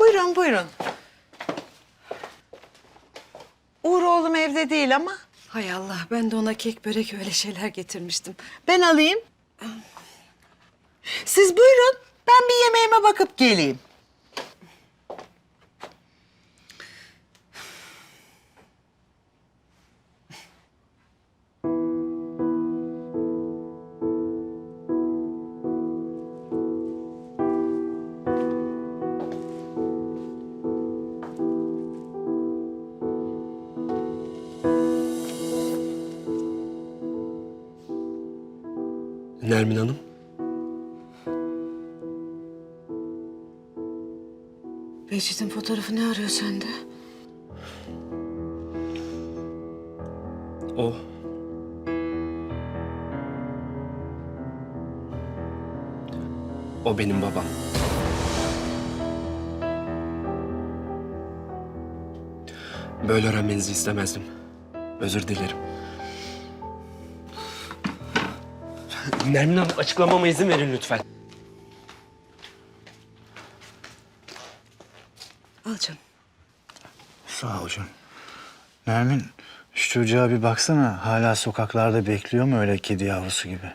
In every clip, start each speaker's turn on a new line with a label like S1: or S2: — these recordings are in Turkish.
S1: Buyurun, buyurun. Uğur oğlum evde değil ama.
S2: Hay Allah, ben de ona kek, börek öyle şeyler getirmiştim.
S1: Ben alayım. Siz buyurun. Ben bir yemeğime bakıp geleyim.
S3: Nermin Hanım,
S2: Behçet'in fotoğrafı ne arıyor sende?
S3: o. O benim babam. Böyle öğrenmenizi istemezdim. Özür dilerim. Nermin Hanım, açıklamama izin verin lütfen.
S2: Al canım.
S4: Sağ ol canım. Nermin, şu çocuğa bir baksana. Hala sokaklarda bekliyor mu öyle kedi yavrusu gibi?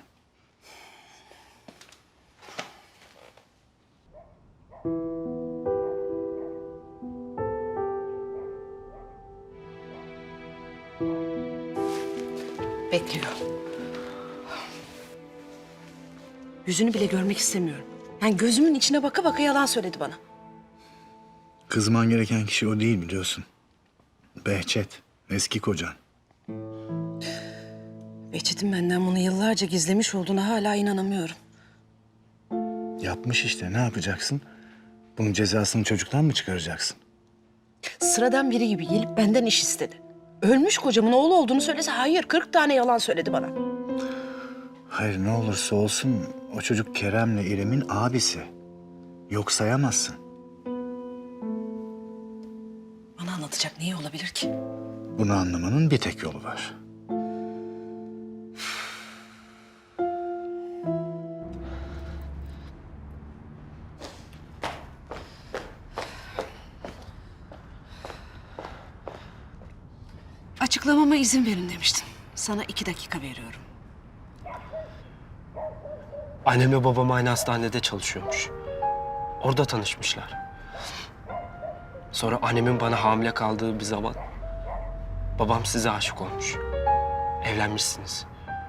S2: Bekliyor. Yüzünü bile görmek istemiyorum. Yani gözümün içine baka baka yalan söyledi bana.
S4: Kızman gereken kişi o değil biliyorsun. Behçet, eski kocan.
S2: Behçet'in benden bunu yıllarca gizlemiş olduğuna hala inanamıyorum.
S4: Yapmış işte, ne yapacaksın? Bunun cezasını çocuktan mı çıkaracaksın?
S2: Sıradan biri gibi gelip benden iş istedi. Ölmüş kocamın oğlu olduğunu söylese hayır, 40 tane yalan söyledi bana.
S4: Hayır, ne olursa olsun o çocuk Kerem'le İrem'in abisi. Yok sayamazsın.
S2: Bana anlatacak neyi olabilir ki?
S4: Bunu anlamanın bir tek yolu var.
S2: Açıklamama izin verin demiştin. Sana 2 dakika veriyorum.
S3: Annemle babam aynı hastanede çalışıyormuş. Orada tanışmışlar. Sonra annemin bana hamile kaldığı bir zaman babam size aşık olmuş. Evlenmişsiniz.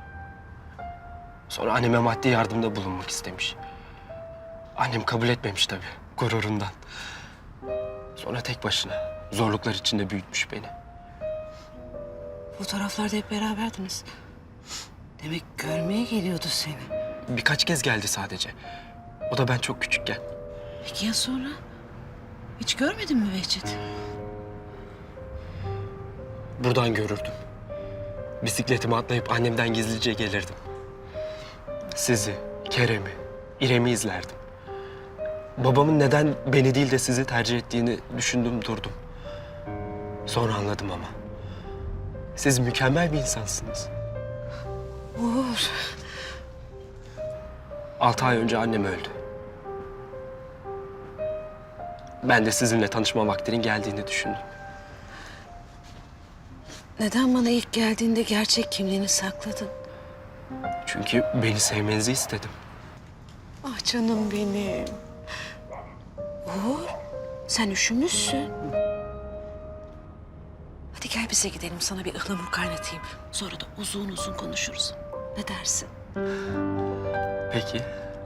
S3: Sonra anneme maddi yardımda bulunmak istemiş. Annem kabul etmemiş tabii, gururundan. Sonra tek başına zorluklar içinde büyütmüş beni.
S2: Fotoğraflarda hep beraberdiniz. Demek görmeye geliyordu seni.
S3: Birkaç kez geldi sadece. O da ben çok küçükken.
S2: Peki ya sonra? Hiç görmedin mi Behçet?
S3: Buradan görürdüm. Bisikletime atlayıp annemden gizlice gelirdim. Sizi, Kerem'i, İrem'i izlerdim. Babamın neden beni değil de sizi tercih ettiğini düşündüm durdum. Sonra anladım ama. Siz mükemmel bir insansınız.
S2: Uğur.
S3: 6 ay önce annem öldü. Ben de sizinle tanışma vaktinin geldiğini düşündüm.
S2: Neden bana ilk geldiğinde gerçek kimliğini sakladın?
S3: Çünkü beni sevmenizi istedim.
S2: Ah canım benim. Uğur, sen üşümüşsün. Hadi gel bize gidelim, sana bir ıhlamur kaynatayım. Sonra da uzun uzun konuşuruz. Ne dersin?
S3: Peki.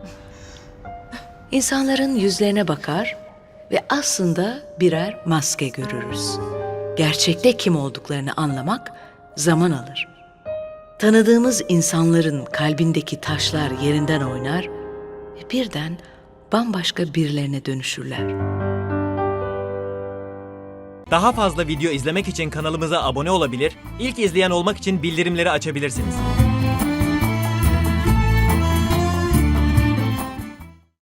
S5: İnsanların yüzlerine bakar ve aslında birer maske görürüz. Gerçekte kim olduklarını anlamak zaman alır. Tanıdığımız insanların kalbindeki taşlar yerinden oynar ve birden bambaşka birilerine dönüşürler.
S6: Daha fazla video izlemek için kanalımıza abone olabilir, ilk izleyen olmak için bildirimleri açabilirsiniz.